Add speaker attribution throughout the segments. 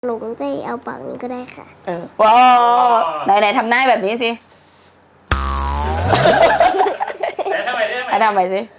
Speaker 1: หลงใจเอาปากนี้ก็ได้ค่ะ
Speaker 2: ว้าวไหนทำหน้าแบบนี้สิทำไมสิ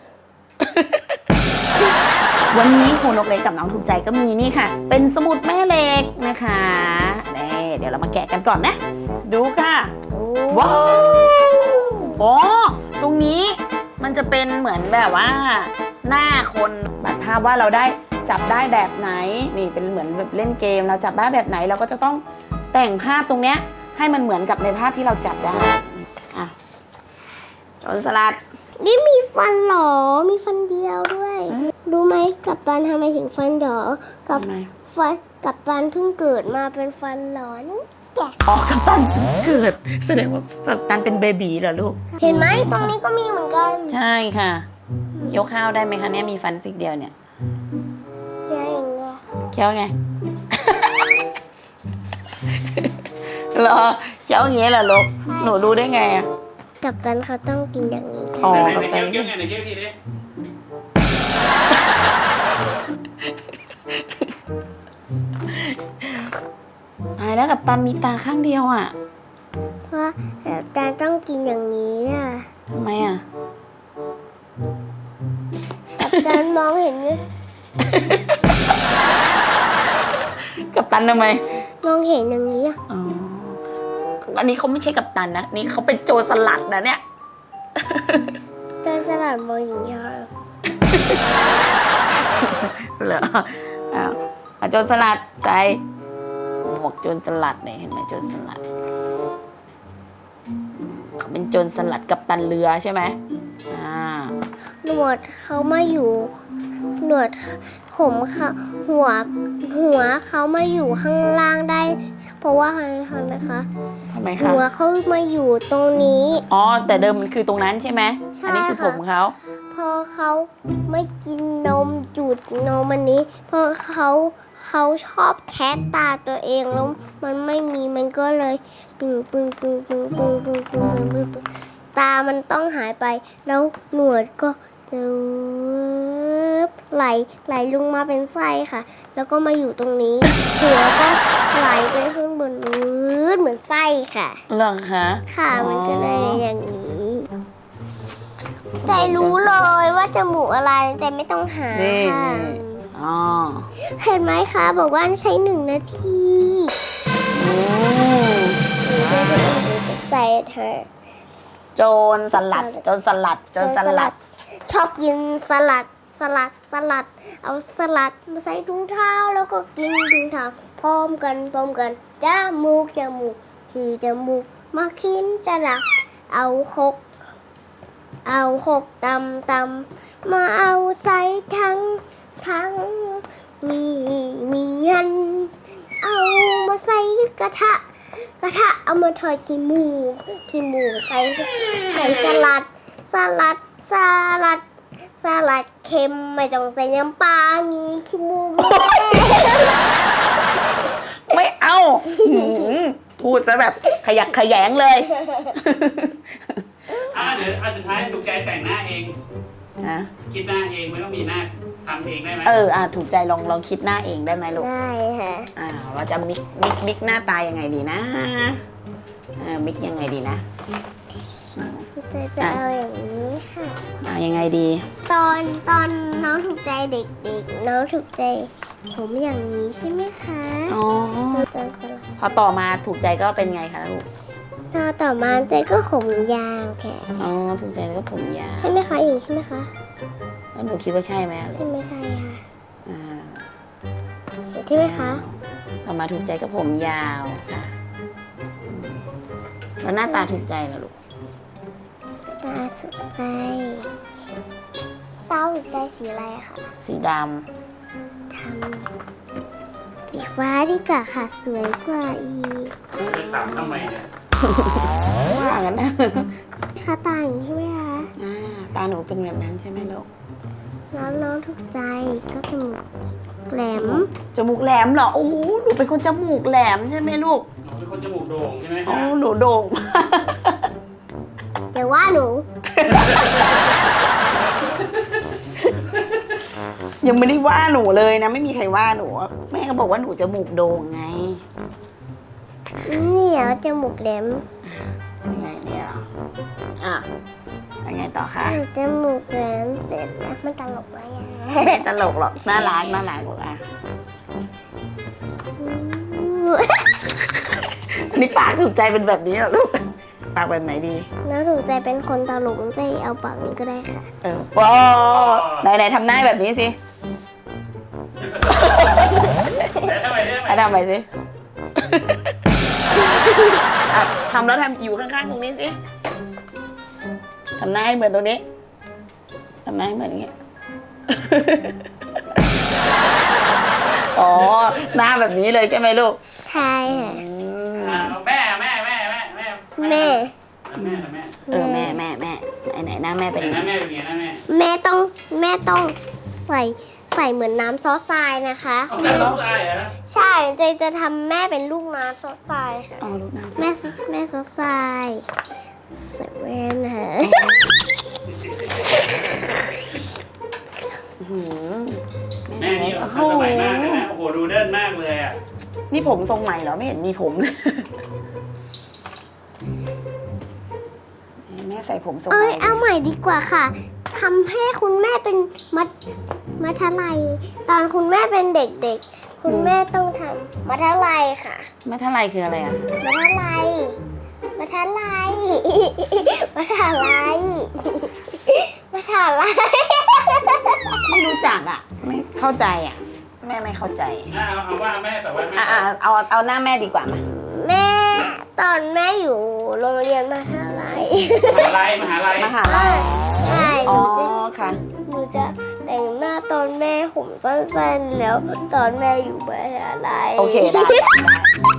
Speaker 2: วันนี้ครูนกเล็กกับน้องถูกใจก็มีนี่ค่ะเป็นสมุดแม่เหล็กนะคะนี่เดี๋ยวเรามาแกะกันก่อนนะดูค่ะว้าวโอ้ตรงนี้มันจะเป็นเหมือนแบบว่าหน้าคนบัดภาพว่าเราได้จับได้แบบไหนนี่เป็นเหมือนแบบเล่นเกมเราจับได้แบบไหนเราก็จะต้องแต่งภาพตรงเนี้ยให้มันเหมือนกับในภาพที่เราจับได้อ่ะโจรสลัด
Speaker 1: นี่มีฟันหรอมีฟันเดียวด้วยรู้ไหมกัปตันทำไมถึงฟันหรอกัปตันเพิ่งเกิดมาเป็นฟันหรอนี่แก
Speaker 2: อ๋อกัปตันเกิดแสดงว่ากัปตันเป็นเบบีเหรอลูก
Speaker 1: เห็นไหมตรงนี้ก็มีเหมือนกัน
Speaker 2: ใช่ค่ะเคี้ยวข้าวได้ไหมคะเนี่ยมีฟันซี่เดียวเนี่ย
Speaker 1: เคี้ยวอย่างเงี้ย
Speaker 2: เคี้ยวไงเหรอเคี้ยวอย่างเงี้ยเหรอลูกหนูรู้ได้ไงอ่ะ
Speaker 1: กัปตันเขาต้องกินอย่างนี้ค่ะ
Speaker 2: อ๋อ
Speaker 3: กัปตันเคี้ยวไงไหนเคี้ยวทีดิ
Speaker 2: ตายแล้วกัปตันมีตาข้างเดียวอ่ะ
Speaker 1: เพราะกัปตันต้องกินอย่างนี้อ่ะ
Speaker 2: ทำไมอ่ะ
Speaker 1: กัปตันมองเห็นไหม
Speaker 2: กัปตันทำไม
Speaker 1: มองเห็นอย่างนี้อ่ะ
Speaker 2: อ๋ออันนี้เขาไม่ใช่กัปตันนะนี่เขาเป็นโจรสลัดนะเนี่ย
Speaker 1: โจรสลัดมองอย่างนี้
Speaker 2: เหรออ้าวโจรสลัดใส่หมวกโจรสลัดเนี่ยเห็นไหมโจรสลัดเขาเป็นโจรสลัดกัปตันเรือใช่ไหม
Speaker 1: หนวดเขามาอยู่หนวดผมค่ะหัวเขามาอยู่ข้างล่างได้เพราะว่าอะไรนะคะ
Speaker 2: ทำไมคะ
Speaker 1: หัวเขามาอยู่ตรงนี้
Speaker 2: อ๋อแต่เดิมมันคือตรงนั้นใช่ไหมอันนี้คือผมเขา
Speaker 1: พอเขาไม่กินนมจุดนมอันนี้เพราะเขาชอบแคะตาตัวเองแล้วมันไม่มีมันก็เลยปึ้งตามันต้องหายไปแล้วหนวดก็จะไหลลงมาเป็นไส้ค่ะแล้วก็มาอยู่ตรงนี้หัวก็ไหลไปขึ้นบนเหมือนไส้ค่ะ
Speaker 2: เหรอคะ
Speaker 1: ค่ะมันก็เลยอย่างนี้ใจรู้เลยว่าจมูกอะไรใจไม่ต้องหาค่ะเห็นไหมคะบอกว่าใช้1 นาทีจะใส่เธอ
Speaker 2: โจรสลัด
Speaker 1: ชอบกินสลัดเอาสลัดมาใส่ถุงเท้าแล้วก็กินถุงเท้าพร้อมกันจมูกฉี่จมูกมาคินจะดักเอาหกตำมาเอาใส่ทั้งมียันเอามาใส่กระทะเอามาทอดขี้หมูใส่สลัดเค็มไม่ต้องใส่น้ำปลามีขี้หมู
Speaker 2: ไม่เอาพูดซะแบบขยักขยงเลย
Speaker 3: เดี๋ยวสุดท้ายถูกใจแต่งหน้าเองคิดหน้าเองไม่ต้องมีหน้าทำเองได้ไหม
Speaker 2: ถูกใจลองคิดหน้าเองได้ไหมลูก
Speaker 1: ได้ค่ะ
Speaker 2: เราจะมิกหน้าตายังไงดีนะมิกยังไงดีนะ
Speaker 1: จะเอาอย่างนี้ค่ะ
Speaker 2: ยังไงดี
Speaker 1: ตอนน้องถูกใจเด็กๆน้องถูกใจผมอย่างนี้ใช่ไหมคะ
Speaker 2: พอต่อมาถูกใจก็เป็นไงคะลูก
Speaker 1: ต่อมาใจก็ผมยาวแค่
Speaker 2: ถูกใจก็ผมยาว
Speaker 1: ใช่ไหมคะอย่างนี้ใช่ไหมคะ
Speaker 2: แล้วหนูคิดว่าใช่ไหม
Speaker 1: ใช่ไม่ใช่ค่ะใช่ไหมคะ
Speaker 2: ต่อมาถูกใจก็ผมยาวค่ะแล้วหน้าตาถูกใจเหรอลูก
Speaker 1: ตาถูกใจสีอะไรคะ
Speaker 2: สีด
Speaker 1: ำสีฟ้าดีกว่าค่ะสวยกว่าอีก
Speaker 3: จะถามทำไมเนี่ย
Speaker 2: ว่างั้นนะ
Speaker 1: ค่ะตาอย่างนี้ใช่ไหมคะ
Speaker 2: ตาหนูเป็นแบบนั้นใช่ไหมลูก
Speaker 1: แล้วน้องถูกใจก็จมูกแหลม
Speaker 2: เหรอโอ้หนูเป็นคนจมูกแหลมใช่ไหมลูก
Speaker 3: หนูเป็นคนจมูกโด่งใช่ไหม
Speaker 2: หนูโด่ง
Speaker 1: แต่ว่าหนู
Speaker 2: ยังไม่ได้ว่าหนูเลยนะ ไม่มีใครว่าหนู แม่ก็บอกว่าหนูจมูกโด่งไง
Speaker 1: นี่เหรอจมูกแหลม
Speaker 2: ยังไงเนี่ยเหรออ่ะยังไงต่อคะ
Speaker 1: จมูกแหลมเสร็จแล้วมันตลกไหมอะ
Speaker 2: ไม่ตลกหรอกน่ารักลูกอ่ะอันนี้ปากถูกใจเป็นแบบนี้เหรอลูกปากแบบไหนดี
Speaker 1: แล้วถูกใจเป็นคนตลกจะเอาปากนี้ก็ได้ค่ะ
Speaker 2: ว้าไหนทำหน้าแบบนี้สิ
Speaker 3: แต่ทำไมได้ไหม
Speaker 2: ทำไปสิอ่ะทำแล้วทำอยู่ข้างๆตรงนี้สิทำหน้าให้เหมือนตรงนี้ทำหน้าให้เหมือนอย่างเงี้ยอ๋อหน้าแบบนี้เลยใช่ไหมลูก
Speaker 1: ใช่ค่ะ
Speaker 3: แม่
Speaker 1: แม่
Speaker 3: แม่
Speaker 2: แม่
Speaker 3: ไหน
Speaker 2: ไหนหน้าแม่เป็น
Speaker 3: นะแม่เป็นไงนะแม่
Speaker 1: แม่ต้องใส่เหมือนน้ำซอสทรายนะคะ
Speaker 3: เอาแต่ลูกชายเหรอ
Speaker 1: ใช่เจจะทำแม่เป็นลูกน้ำซอสทรายค่ะ
Speaker 2: อ๋อลูกน้ำ
Speaker 1: แม่ซอสทรายใส่แว่นค่ะ
Speaker 3: แม่นี่ทันสมัยมากเลยนะโอ้โหดูเดินมากเลยอ่ะ
Speaker 2: นี่ผมทรงใหม่เหรอไม่เห็นมีผมเลยแม่ใส่ผมทรงให
Speaker 1: เอ้
Speaker 2: ม่
Speaker 1: ยเอาใหม่ดีกว่าค่ะทำให้คุณแม่เป็นมัทลัยตอนคุณแม่เป็นเด็กๆ คุณแม่ต้องทำมัทลัยค่ะ
Speaker 2: ไม่เท่าไรคืออะไรอ่ะ
Speaker 1: มัทลัยมัทลัยมัทลัยมัทลัย
Speaker 2: ไม่รู้จักอ่ะ ไม่เข้าใจอ่ะ แม่ไม่เข้าใจ
Speaker 3: เอาว่าแม่แต่ว่าแม่
Speaker 2: เอาหน้าแม่ดีกว่ามา
Speaker 1: แม่ตอนแม่อยู่โรงเรียนมัทลัย
Speaker 3: มหาลัย
Speaker 2: มหาลัย
Speaker 1: ใช่
Speaker 2: อ๋อค่ะ
Speaker 1: หนูจะแต่งหน้าตอนแม่ผมสั้นๆแล้วตอนแม่อยู่มหาลัย
Speaker 2: โอเคได้